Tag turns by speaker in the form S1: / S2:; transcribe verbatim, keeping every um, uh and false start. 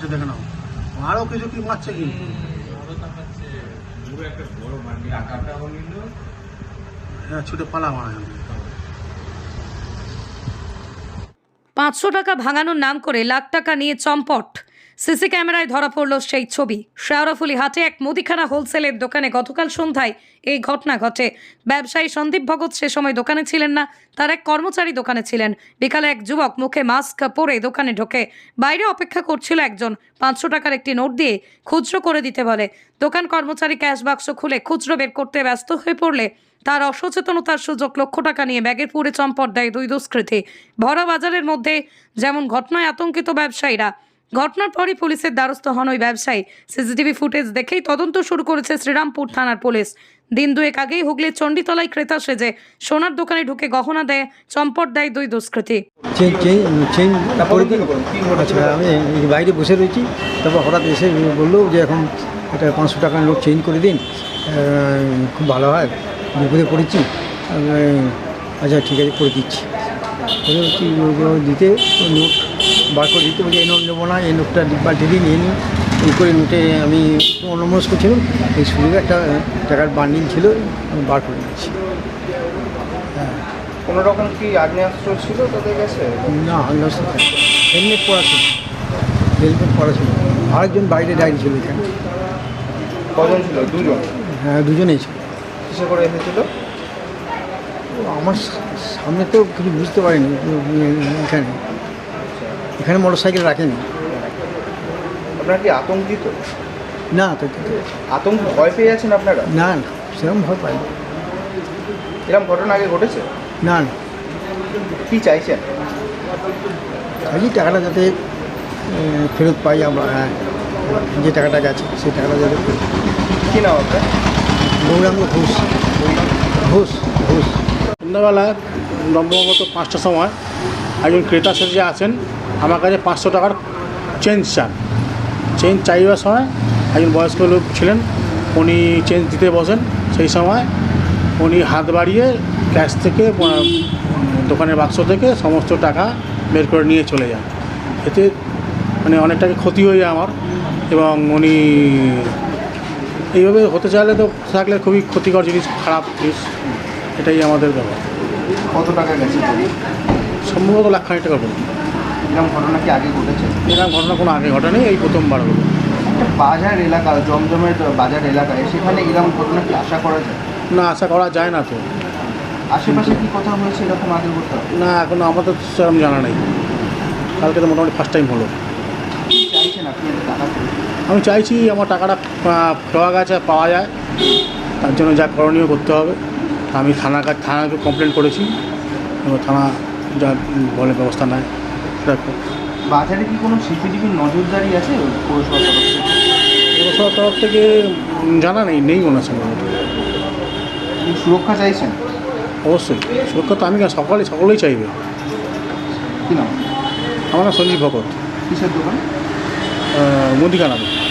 S1: মারছে দেখে নাও, আরও কিছু কি মারছে কি হ্যাঁ ছুটে পালা মারা যাবে।
S2: পাঁচশো টাকা ভাঙানোর নাম করে লাখ টাকা নিয়ে চম্পট। সিসি ক্যামেরায় ধরা পড়ল সেই ছবি। শেওড়াফুলি হাটে এক মুদিখানা হোলসেলের দোকানে গতকাল সন্ধ্যায় এই ঘটনা ঘটে। ব্যবসায়ী সন্দীপ ভগত সে সময় দোকানে ছিলেন না, তার এক কর্মচারী দোকানে ছিলেন। বিকালে এক যুবক মুখে মাস্ক পরে দোকানে ঢোকে। বাইরে অপেক্ষা করছিল একজন, পাঁচশো টাকার একটি নোট দিয়ে খুচরো করে দিতে বলে। দোকান কর্মচারী ক্যাশ বাক্স খুলে খুচরো বের করতে ব্যস্ত হয়ে পড়লে তার অসচেতনতার সুযোগ লক্ষ টাকা নিয়ে ব্যাগের পুরে চম্পট দেয় দুই দুষ্কৃতী। ভরা বাজারের মধ্যে যেমন ঘটনায় আতঙ্কিত ব্যবসায়ীরা, ঘটনার পরই পুলিশের দ্বারস্থ হন ওই ব্যবসায়ী। সিসিটিভি ফুটেজ দেখেই তদন্ত শুরু করেছে শ্রীরামপুর থানার পুলিশ। দিন দুয়েক আগেই হুগলির চণ্ডীতলায় ক্রেতা সেজে সোনার দোকানে ঢুকে গহনা দেয় চম্পট দেয় দুই দুষ্কৃতী।
S3: আচ্ছা, আমি বাইরে বসে রয়েছি, তারপর হঠাৎ এসে বললো যে এখন এটা পাঁচশো টাকার নোট চেঞ্জ করে দিন, খুব ভালো হয়, বিপদে পড়েছি। আচ্ছা ঠিক আছে করে দিচ্ছি। দিতে নোট বার করে দিতে বলছি, এই নোট নেবো না, এই নোটটা পাল্টে দিন, নিয়ে নিন। এই করে নোটে আমি অন্যমনস্ক ছিলাম, এই শুরু একটা টাকার বান্ডিল ছিল, আমি বার করে দিচ্ছি।
S4: হ্যাঁ, কোনো রকম কি আগ্নেয়াস্ত্র ছিল তাদের কাছে?
S3: না, আগ্নেয়াস্ত্র হেলমেট পরা ছিল, হেলমেট পরা ছিল। আরেকজন বাইরে দাঁড়িয়ে ছিল এখানে।
S4: কজন ছিল? দুজন?
S3: হ্যাঁ, দুজনেই ছিল।
S4: কিসে করে এসেছিল?
S3: আমার সামনে তো কিছু বুঝতে পারিনি। এখানে এখানে মোটর সাইকেল রাখেনি।
S4: আপনারা কি আতঙ্কিত?
S3: না তো,
S4: আতঙ্ক ভয় পেয়ে যাচ্ছেন আপনারা?
S3: না না, সেরকম ভয় পাইনি।
S4: এরকম ঘটনা আগে ঘটেছে?
S3: না না,
S4: কি চাইছেন?
S3: এই টাকাটা যাতে ফেরত পাই আমরা, হ্যাঁ, যে টাকাটা গেছে সেই টাকাটা যাতে ফেরত।
S4: কী নাম আপনার?
S3: গৌরাঙ্গ ঘোষ। ঘোষ ঘোষ
S1: সন্ধ্যাবেলা সম্ভবত পাঁচটার সময় একজন ক্রেতা সেজে আছেন, আমার কাছে পাঁচশো টাকার চেঞ্জ চান। চেঞ্জ চাইবার সময় একজন বয়স্ক লোক ছিলেন, উনি চেঞ্জ দিতে বসেন। সেই সময় উনি হাত বাড়িয়ে ক্যাশ থেকে দোকানের বাক্স থেকে সমস্ত টাকা বের করে নিয়ে চলে যান। এতে মানে অনেক টাকা ক্ষতি হয়ে যায় আমার, এবং উনি এইভাবে হতে চাইলে তো থাকলে খুবই ক্ষতিকর জিনিস, খারাপ জিনিস। এটাই আমাদের ব্যাপার।
S4: কত টাকা গেছে?
S1: সম্ভবত লাখ খানিক টাকা বলুন।
S4: এরকম ঘটনা কি আগে ঘটেছে?
S1: এরকম ঘটনা কোনো আগে ঘটেনি, এই প্রথমবার হলো।
S4: একটা বাজার এলাকা, জমজমের বাজার এলাকায়, সেখানে এরকম ঘটনা কি আশা করা যায়?
S1: না, আশা করা যায় না তো।
S4: আশেপাশে কি কোথাও হয়েছে এরকম আগে ঘটনা?
S1: না, এখনো আমাদের সেরকম জানা নেই। কালকে তো মোটামুটি ফার্স্ট টাইম হলো।
S4: কি চাইছেন আপনি টাকা?
S1: আমি চাইছি আমার টাকাটা পাওয়া গেছে, পাওয়া যায়, তার জন্য যা করণীয় করতে হবে। আমি থানা থানাকে কমপ্লেন করেছি, এবং থানা যা বলে ব্যবস্থা নেয় দেখো।
S4: বাজারে কি কোনো সিসিটিভির নজরদারি আছে পৌরসভার তরফ থেকে?
S1: পৌরসভার তরফ থেকে জানা নেই, নেই মনে হয় সম্ভবত।
S4: সুরক্ষা চাইছেন?
S1: অবশ্যই সুরক্ষা তো আমি সকালে সকলেই চাইবে।
S4: কী নাম?
S1: আমার নাম সঞ্জীব ভগত,
S4: কিসের দোকান?
S1: মুদিখানা।